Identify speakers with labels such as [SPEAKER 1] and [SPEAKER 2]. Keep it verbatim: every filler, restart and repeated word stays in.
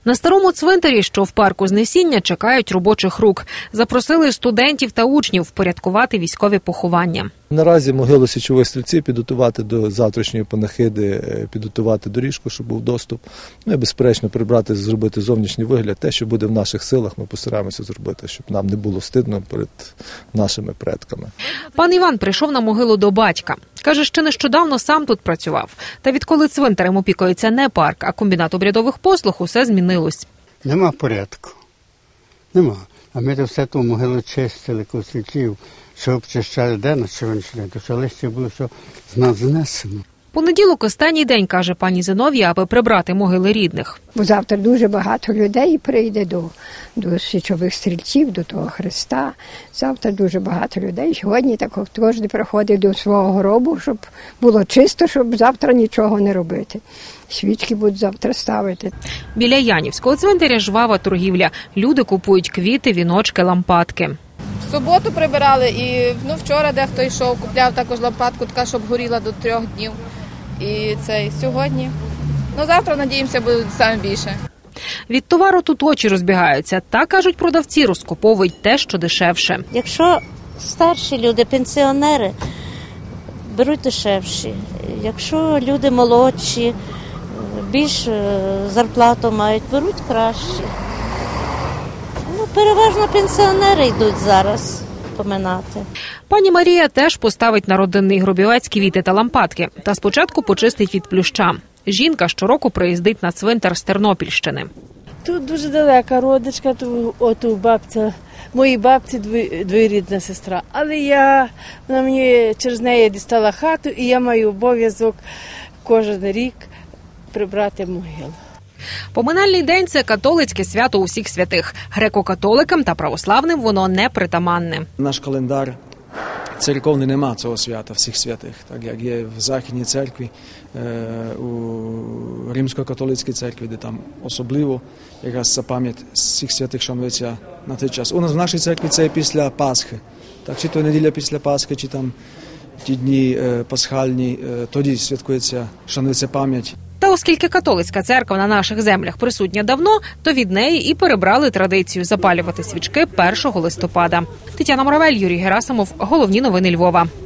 [SPEAKER 1] На старому цвинтарі, що в парку Знесіння, чекають робочих рук. Запросили студентів та учнів впорядкувати військові поховання.
[SPEAKER 2] Наразі могилу січових стрільців підготувати до завтрашньої панахиди, підготувати доріжку, щоб був доступ. Ну і, безперечно, прибрати, зробити зовнішній вигляд. Те, що буде в наших силах, ми постараємося зробити, щоб нам не було стидно перед нашими предками.
[SPEAKER 1] Пан Іван прийшов на могилу до батька. Каже, ще нещодавно сам тут працював. Та відколи цвинтарем опікується не парк, а комбінат обрядових послуг, усе змінилось.
[SPEAKER 3] Нема порядку. Нема. А ми то все ту могилу чистили, косичів, що обчищали де на сьогоднішній день, то що лише було, що з нас знесено.
[SPEAKER 1] Понеділок – останній день, каже пані Зиновія, аби прибрати могили рідних.
[SPEAKER 4] Бо завтра дуже багато людей прийде до, до січових стрільців, до того Христа. Завтра дуже багато людей. Сьогодні так кожен приходить до свого гробу, щоб було чисто, щоб завтра нічого не робити. Свічки будуть завтра ставити.
[SPEAKER 1] Біля Янівського цвинтаря жвава торгівля. Люди купують квіти, віночки, лампадки.
[SPEAKER 5] В суботу прибирали і ну, вчора дехто йшов, купляв також лампадку, така, щоб горіла до трьох днів. І це сьогодні. Ну, завтра, надіємося, буде саме більше.
[SPEAKER 1] Від товару тут очі розбігаються. Та, кажуть продавці, розкуповують те, що дешевше.
[SPEAKER 6] Якщо старші люди, пенсіонери, беруть дешевші. Якщо люди молодші, більш зарплату мають, беруть кращі. Ну, переважно пенсіонери йдуть зараз поминати.
[SPEAKER 1] Пані Марія теж поставить на родинний гробівець квіти та лампадки. Та спочатку почистить від плюща. Жінка щороку приїздить на цвинтар з Тернопільщини.
[SPEAKER 7] Тут дуже далека родичка, тут оту бабця, моїй бабці двоюрідна сестра. Але я, вона мені через неї дістала хату, і я маю обов'язок кожен рік прибрати могилу.
[SPEAKER 1] Поминальний день – це католицьке свято усіх святих. Греко-католикам та православним воно не притаманне.
[SPEAKER 8] Наш календар церковний нема цього свята всіх святих, так як є в Західній церкві, у Римсько-католицькій церкві, де там особливо якраз ця пам'ять всіх святих шанується на той час. У нас в нашій церкві це після Пасхи, так чи то неділя після Пасхи, чи там ті дні пасхальні, тоді святкується, шанується пам'ять.
[SPEAKER 1] Та оскільки католицька церква на наших землях присутня давно, то від неї і перебрали традицію запалювати свічки першого листопада. Тетяна Моравель, Юрій Герасимов. Головні новини Львова.